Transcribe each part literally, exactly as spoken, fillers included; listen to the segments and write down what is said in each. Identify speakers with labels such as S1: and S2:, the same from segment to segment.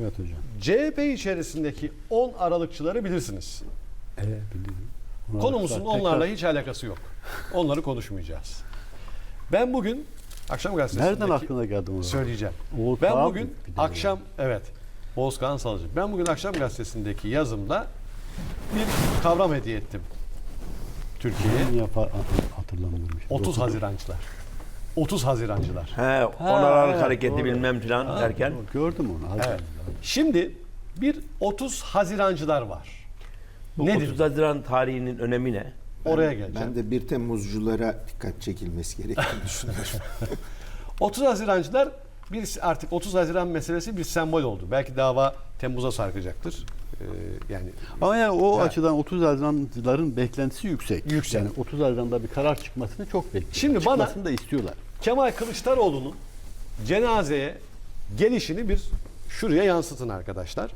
S1: Evet hocam.
S2: C H P içerisindeki on aralıkçıları bilirsiniz.
S1: Evet biliyorum. Ona
S2: Konumuzun
S1: tekrar-
S2: onlarla hiç alakası yok. Onları konuşmayacağız. Ben bugün akşam gazetesindeki...
S1: Nereden aklına geldi o?
S2: Söyleyeceğim.
S1: Oğuz
S2: Ben
S1: Kağan
S2: bugün
S1: mı? Bir de
S2: akşam evet Oğuz Kağan Salıcı. Ben bugün akşam gazetesindeki yazımda bir kavram hediye ettim Türkiye'ye.
S1: yani. Yapar, hatırlamıyorum.
S2: otuz Hazirancılar. otuz Hazirancılar.
S3: He, on Aralık
S1: evet,
S3: hareketi
S1: doğru.
S3: bilmem filan derken.
S1: Gördüm onu. Hadi.
S2: Evet. Şimdi bir otuz Hazirancılar var.
S3: Bu
S2: Nedir?
S3: otuz Haziran tarihinin önemi ne?
S2: Oraya geleceğim.
S4: Ben de bir Temmuzculara dikkat çekilmesi gerektiğini düşünüyorum.
S2: otuz Hazirancılar bir artık otuz Haziran meselesi bir sembol oldu. Belki dava Temmuz'a sarkacaktır. Ee, yani
S1: Ama yani o
S2: Ha.
S1: açıdan otuz Haziranlıların beklentisi yüksek.
S2: Yüksek.
S1: Yani otuz Haziran'da bir karar çıkmasını çok bekliyorlar.
S2: Şimdi bana-
S1: Çıkmasını da istiyorlar.
S2: Kemal Kılıçdaroğlu'nun cenazeye gelişini bir şuraya yansıtın arkadaşlar.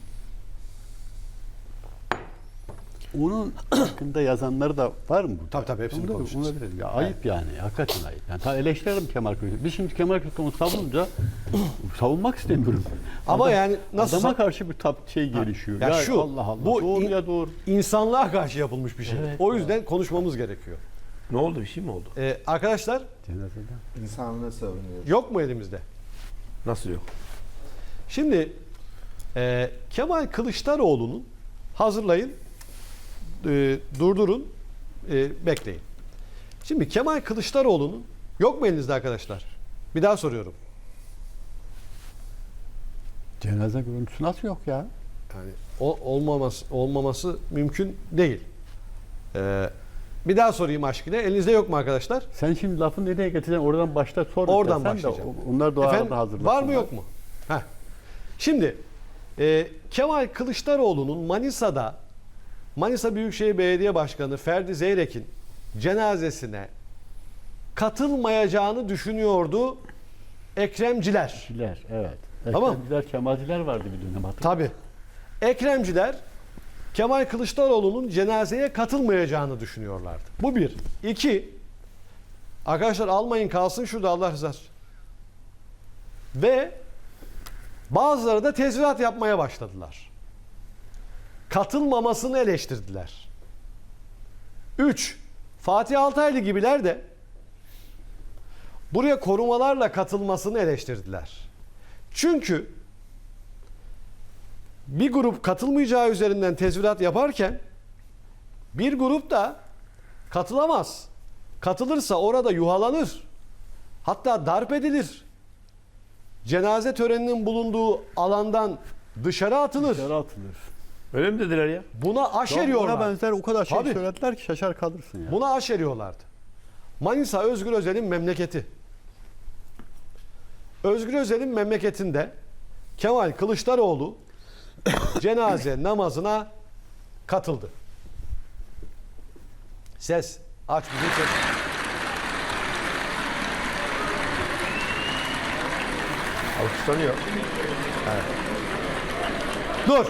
S1: Onun hakkında yazanları da var mı?
S2: Tabii, tabii, hepsini
S1: Onu da-
S2: konuşacağız.
S1: onu da bilelim. Ya ayıp yani. Hakikaten ayıp. Yani ta eleştirelim Kemal Kılıçdaroğlu. Biz şimdi Kemal Kılıçdaroğlu'nu savununca savunmak istemiyorum.
S2: Ama
S1: Adam-
S2: yani nasıl
S1: adama karşı bir tap şey gelişiyor.
S2: Ya
S1: Ya,
S2: şu,
S1: Allah Allah.
S2: bu
S1: doğru
S2: in-
S1: ya doğru.
S2: insanlığa karşı yapılmış bir şey.
S1: Evet,
S2: o yüzden konuşmamız gerekiyor.
S3: Ne oldu? Bir şey mi oldu?
S2: Ee, arkadaşlar
S1: Cenazede.
S4: İnsanlığı savunuyor.
S2: yok mu elimizde?
S3: Nasıl yok?
S2: Şimdi e, Kemal Kılıçdaroğlu'nun hazırlayın, e, durdurun, e, bekleyin. Şimdi Kemal Kılıçdaroğlu'nun yok mu elinizde arkadaşlar? Bir daha soruyorum.
S1: Cenaze görüntüsü nasıl yok ya?
S2: Yani o, olmaması olmaması mümkün değil. Ee, bir daha sorayım aşkına. Elinizde yok mu arkadaşlar?
S1: Sen şimdi lafı nereye getireceksin? Oradan başta sor.
S2: Oradan
S1: istersen de
S2: başlayacağım.
S1: Onlar da o
S2: Efendim,
S1: arada hazırlasınlar.
S2: var mı yok mu? Heh. Şimdi e, Kemal Kılıçdaroğlu'nun Manisa'da Manisa Büyükşehir Belediye Başkanı Ferdi Zeyrek'in cenazesine katılmayacağını düşünüyordu Ekremciler.
S1: Ekremciler, evet.
S2: Tamam.
S1: Ekremciler, Kemalciler vardı bir dönem hatırlıyorum.
S2: Tabii. Ekremciler Kemal Kılıçdaroğlu'nun cenazeye katılmayacağını düşünüyorlardı. Bu bir. İki, arkadaşlar almayın kalsın şurada Allah rızası. Ve bazıları da tezvirat yapmaya başladılar. Katılmamasını eleştirdiler. Üç, Fatih Altaylı gibiler de buraya korumalarla katılmasını eleştirdiler. Çünkü bir grup katılmayacağı üzerinden tezvirat yaparken bir grup da katılamaz. Katılırsa orada yuhalanır. Hatta darp edilir. Cenaze töreninin bulunduğu alandan dışarı atılır.
S1: Dışarı atılır.
S3: Öyle mi dediler ya?
S2: Buna aşeriyorlar.
S1: Ona benzer o kadar şey
S2: Tabii.
S1: söylediler ki şaşar kalırsın ya.
S2: Buna aşeriyorlardı. Manisa Özgür Özel'in memleketi. Özgür Özel'in memleketinde Kemal Kılıçdaroğlu cenaze namazına katıldı. Ses. Aç bizim ses.
S3: Alkışlanıyor.
S2: Dur.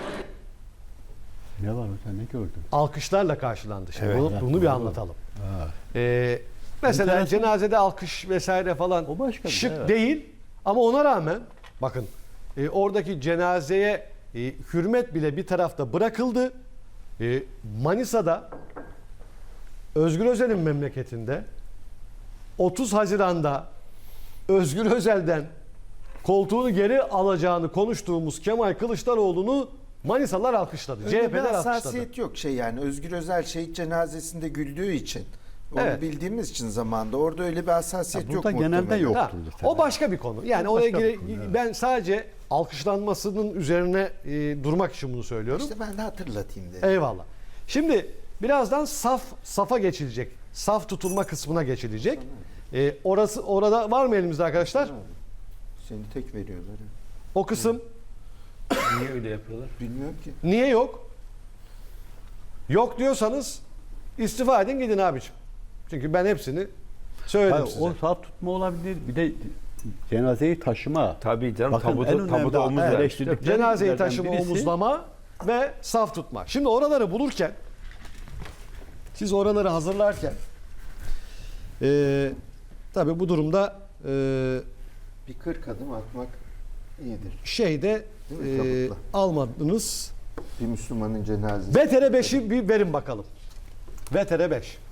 S1: Ne var hocam ne gördün?
S2: Alkışlarla karşılandı. Şimdi
S3: Evet.
S2: bunu, bunu bir anlatalım. Ee, mesela
S1: Enteresan.
S2: cenazede alkış vesaire falan
S1: O başka bir
S2: şık
S1: şey, evet.
S2: değil ama ona rağmen bakın e, oradaki cenazeye e, hürmet bile bir tarafta bırakıldı. E, Manisa'da Özgür Özel'in memleketinde otuz Haziran'da Özgür Özel'den koltuğunu geri alacağını konuştuğumuz Kemal Kılıçdaroğlu'nu Manisalılar alkışladı.
S4: Öyle bir
S2: C H P'ler alkışladı.
S4: hassasiyet yok şey yani. Özgür Özel şehit cenazesinde güldüğü için. Onu
S2: Evet.
S4: bildiğimiz için zamanda orada öyle bir hassasiyet
S1: Ya
S4: yok
S1: burada genelde
S4: muhtemelen.
S1: yok.
S2: Ha,
S1: Yoktur muhtemelen.
S2: o başka bir konu. Yani
S1: O
S2: oraya
S1: başka bir
S2: gire-
S1: konu, evet.
S2: ben sadece alkışlanmasının üzerine e, durmak için bunu söylüyorum.
S4: İşte ben de hatırlatayım dedim.
S2: Eyvallah. Şimdi birazdan saf safa geçilecek. Saf tutulma kısmına geçilecek. E, orası orada var mı elimizde arkadaşlar?
S4: Seni tek veriyorlar. ya.
S2: O kısım
S3: Niye öyle yapıyorlar?
S4: Bilmiyorum ki.
S2: niye yok? Yok diyorsanız istifa edin gidin abiciğim. Çünkü ben hepsini söyledim
S1: Hayır,
S2: size.
S1: o saf tutma olabilir. Bir de cenazeyi taşıma.
S3: Tabii canım,
S1: Bakın, en
S3: tabuda,
S1: önemli
S3: tabuda omuz
S1: evet,
S3: ver.
S1: eleştirdikleri
S2: Cenazeyi
S1: yerlerden
S2: taşıma,
S1: birisi-
S2: omuzlama ve saf tutma. Şimdi oraları bulurken, siz oraları hazırlarken, e, tabii bu durumda e,
S4: Bir kırk adım atmak iyidir.
S2: şeyde
S4: Değil mi?
S2: Ee,
S4: Tabutla.
S2: almadınız.
S4: Bir Müslümanın cenazesi.
S2: V T R beşi bir verin bakalım. V T R beş.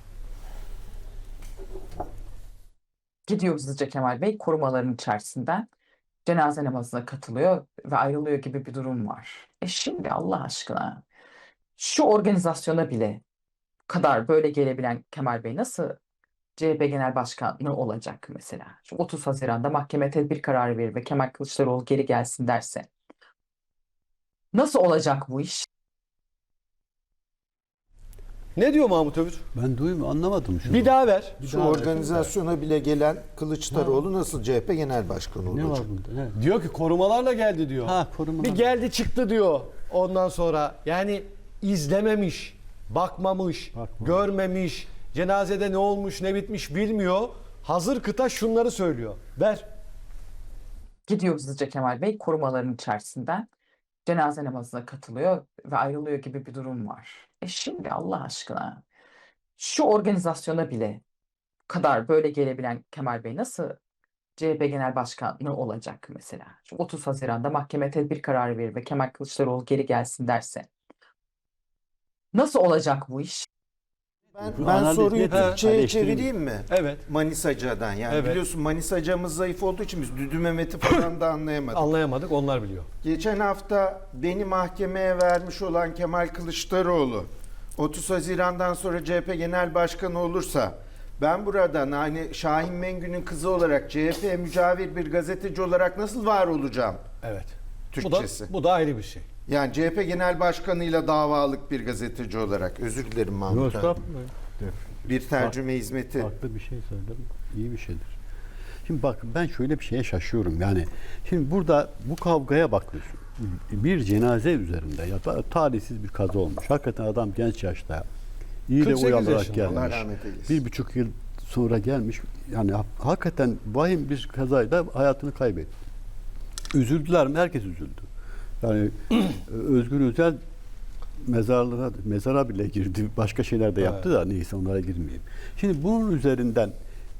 S5: Gidiyor hızlıca Kemal Bey korumaların içerisinden cenaze namazına katılıyor ve ayrılıyor gibi bir durum var. E şimdi Allah aşkına şu organizasyona bile kadar böyle gelebilen Kemal Bey nasıl C H P Genel Başkanı olacak mesela? Şu otuz Haziran'da mahkeme tedbir kararı verir ve Kemal Kılıçdaroğlu geri gelsin derse. Nasıl olacak bu iş?
S2: Ne diyor Mahmut Övür?
S1: Ben duymuyorum, anlamadım şunu.
S2: Bir daha ver.
S1: Bir
S4: Şu
S1: daha ver.
S4: organizasyona bile gelen Kılıçdaroğlu nasıl C H P Genel Başkanı
S1: Ne
S4: olacak?
S1: var bunda? Ne?
S2: Diyor ki korumalarla geldi diyor.
S1: Ha, korumalar.
S2: Bir geldi çıktı diyor. Ondan sonra yani izlememiş, bakmamış,
S1: Bakmamış.
S2: görmemiş, cenazede ne olmuş ne bitmiş bilmiyor. Hazır kıta şunları söylüyor. Ver.
S5: Gidiyor hızlıca Kemal Bey korumaların içerisinden cenaze namazına katılıyor ve ayrılıyor gibi bir durum var. E şimdi Allah aşkına şu organizasyona bile kadar böyle gelebilen Kemal Bey nasıl C H P Genel Başkanı olacak mesela? Şu otuz Haziran'da mahkeme tedbir kararı verir ve Kemal Kılıçdaroğlu geri gelsin derse. Nasıl olacak bu iş?
S4: Ben,
S1: Bu
S4: ben
S1: analiz
S4: soruyu
S1: nedir?
S4: Türkçe'ye
S1: Eleştireyim.
S4: çevireyim mi?
S2: Evet.
S4: Manisaca'dan yani
S2: Evet.
S4: biliyorsun Manisaca'mız zayıf olduğu için biz Düdü Mehmet'i falan da anlayamadık.
S2: Anlayamadık, onlar biliyor.
S4: Geçen hafta beni mahkemeye vermiş olan Kemal Kılıçdaroğlu otuz Haziran'dan sonra C H P Genel Başkanı olursa ben buradan hani Şahin Mengü'nün kızı olarak C H P'ye mücavir bir gazeteci olarak nasıl var olacağım?
S2: Evet.
S4: Türkçesi.
S2: Bu da, bu da ayrı bir şey.
S4: Yani C H P Genel Başkanı'yla davalık bir gazeteci olarak. Özür dilerim
S1: Yok,
S4: Mahmut abi.
S1: estağfurullah.
S4: Bir tercüme hizmeti.
S1: Farklı bir şey söyledim. İyi bir şeydir. Şimdi bak, ben şöyle bir şeye şaşıyorum. Yani şimdi burada bu kavgaya bakıyorsun. Bir cenaze üzerinde ya da talihsiz bir kaza olmuş. Hakikaten adam genç yaşta iyi de
S2: kırk sekiz
S1: uyanarak
S2: yaşında.
S4: Allah
S1: gelmiş.
S4: rahmet eylesin.
S1: Bir buçuk yıl sonra gelmiş. Yani ha- hakikaten vahim bir kazayla hayatını kaybetti. Üzüldüler mi? Herkes üzüldü. Yani Özgür Özel mezarlığa, mezara bile girdi. Başka şeyler de yaptı da neyse, onlara girmeyeyim. Şimdi bunun üzerinden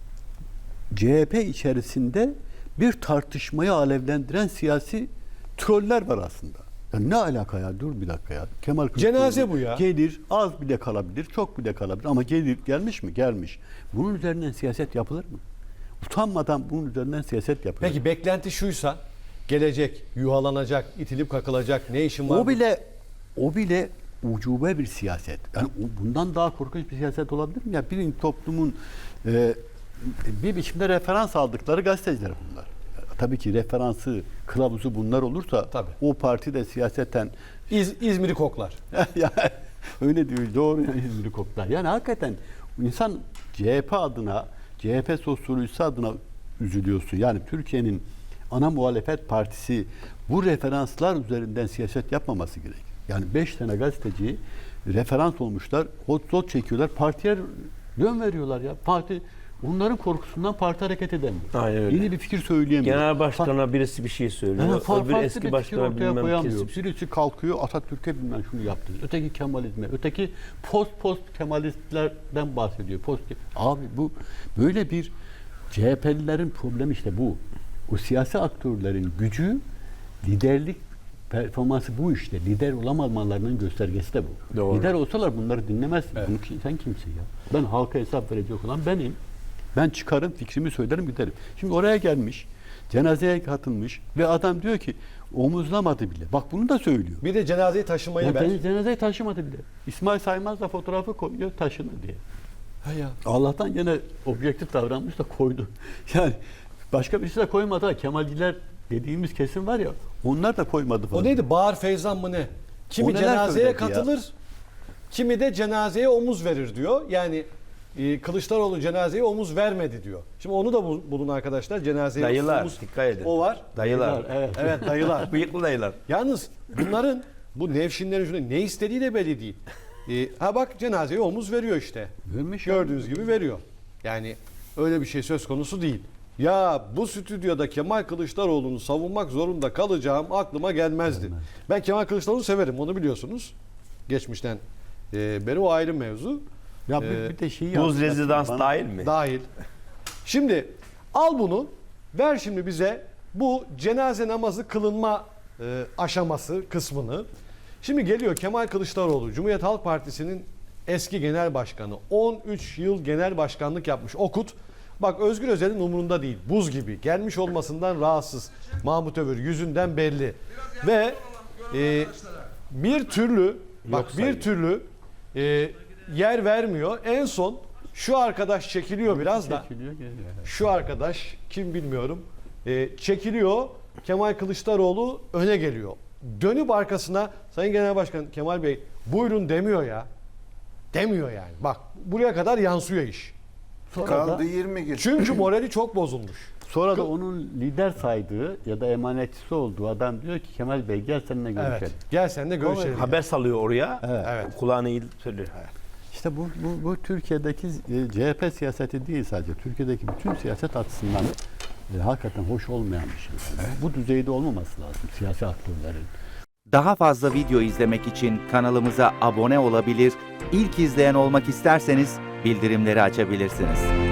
S1: C H P içerisinde bir tartışmayı alevlendiren siyasi troller var aslında. Ya ne alaka ya? Dur bir dakika ya. Kemal Kılıçdaroğlu
S2: Cenaze bu ya.
S1: gelir, az bile kalabilir, çok bile kalabilir ama gelir, gelmiş mi? Gelmiş. Bunun üzerinden siyaset yapılır mı? Utanmadan bunun üzerinden siyaset yapılır.
S2: Peki beklenti şuysa, gelecek, yuhalanacak, itilip kakılacak, ne işin var?
S1: O bile o bile ucube bir siyaset. Yani o- bundan daha korkunç bir siyaset olabilir mi? Ya bir toplumun e, bir biçimde referans aldıkları gazeteciler bunlar. Tabii ki referansı, kılavuzu bunlar olursa
S2: Tabii.
S1: o parti de siyaseten
S2: İz, İzmir'i koklar.
S1: yani öyle diyor, doğru yani İzmir'i koklar. Yani hakikaten insan C H P adına, C H P sosyolojisi adına üzülüyorsun. Yani Türkiye'nin ana muhalefet partisi bu referanslar üzerinden siyaset yapmaması gerek. Yani beş tane gazeteci referans olmuşlar, hot zot çekiyorlar, partiye yön veriyorlar ya. Parti onların korkusundan parti hareket edemiyor.
S3: Aynen öyle.
S1: Yeni bir fikir söyleyemiyor.
S3: Genel başkana birisi bir şey
S1: Yani
S3: söylüyor.
S1: fa-
S3: Öbür
S1: farklı bir
S3: eski
S1: fikir
S3: başkana
S1: ortaya
S3: bilmem
S1: koyamıyor.
S3: kesip.
S1: Birisi kalkıyor Atatürk'e bilmem şunu yaptı. Öteki Kemalizme, öteki post post Kemalistlerden bahsediyor. Post abi bu böyle bir C H P'lilerin problemi işte bu. O siyasi aktörlerin gücü, liderlik performansı bu işte. Lider olamamalarının göstergesi de bu.
S3: Doğru.
S1: Lider olsalar bunları dinlemezsin. Bunu ki- sen kimsin ya? Ben halka hesap verecek olan benim. Ben çıkarım, fikrimi söylerim, giderim. Şimdi oraya gelmiş, cenazeye katılmış ve adam diyor ki omuzlamadı bile. Bak bunu da söylüyor.
S2: Bir de cenazeyi taşımayı
S1: Ya
S2: ver.
S1: beni cenazeyi taşımadı bile. İsmail Saymaz da fotoğrafı koyuyor, taşını diye.
S2: Ha ya.
S1: Allah'tan gene objektif davranmış da koydu. Yani başka birisi de koymadı ha. Kemalciler dediğimiz kesim var ya, onlar da koymadı falan.
S2: O neydi? Bağır Feyzan mı ne? Kimi
S1: O neler
S2: cenazeye
S1: söyledi
S2: katılır, kimi de cenazeye omuz verir diyor. Yani e, Kılıçdaroğlu cenazeye omuz vermedi diyor. Şimdi onu da bul- bulun arkadaşlar. Cenazeye
S3: Dayılar,
S2: omuz.
S3: dikkat edin.
S2: O var.
S3: Dayılar.
S1: Evet.
S2: Evet dayılar.
S3: Bıyıklı dayılar.
S2: Yalnız bunların bu nevşinlerin şuna ne istediği de belli değil. E, ha bak cenazeye omuz veriyor işte.
S1: Vermiş ya.
S2: Gördüğünüz gibi veriyor. Yani öyle bir şey söz konusu değil. Ya bu stüdyoda Kemal Kılıçdaroğlu'nu savunmak zorunda kalacağım aklıma gelmezdi. Ben Kemal Kılıçdaroğlu'nu severim, onu biliyorsunuz. Geçmişten e, beri o ayrı mevzu.
S1: Ya bir,
S2: Ee,
S1: bir de şeyi
S3: Buz
S1: hatırlattın
S3: rezidans
S1: bana.
S3: dahil mi?
S2: Dahil. Şimdi al bunu, ver şimdi bize bu cenaze namazı kılınma e, aşaması kısmını. Şimdi geliyor Kemal Kılıçdaroğlu, Cumhuriyet Halk Partisi'nin eski genel başkanı. on üç yıl genel başkanlık yapmış. Okut. Bak Özgür Özel'in umurunda değil. Buz gibi. Gelmiş olmasından rahatsız. Mahmut Övür yüzünden belli. Ve e, bir türlü bak
S3: Yok
S2: bir
S3: sayıyor.
S2: türlü e, yer vermiyor. En son şu arkadaş çekiliyor biraz da.
S1: Çekiliyor, geliyor.
S2: Şu arkadaş kim bilmiyorum. E, çekiliyor. Kemal Kılıçdaroğlu öne geliyor. Dönüp arkasına Sayın Genel Başkan Kemal Bey buyurun demiyor ya. Demiyor yani. Bak buraya kadar yansıyor iş.
S1: Sonra
S4: Kaldı
S1: da,
S4: yirmi gün.
S2: Çünkü morali çok bozulmuş.
S1: sonra da onun lider saydığı ya da emanetçisi olduğu adam diyor ki Kemal Bey gel seninle görüşelim.
S2: Evet. Gel seninle görüşelim.
S3: Haber salıyor oraya.
S1: Evet.
S2: Evet.
S3: Kulağına iyi söylüyor.
S1: İşte bu, bu, bu Türkiye'deki e, C H P siyaseti değil sadece. Türkiye'deki bütün siyaset açısından e, hakikaten hoş olmayan bir şey. Yani bu düzeyde olmaması lazım siyasi aktörlerin.
S6: Daha fazla video izlemek için kanalımıza abone olabilir, ilk izleyen olmak isterseniz bildirimleri açabilirsiniz.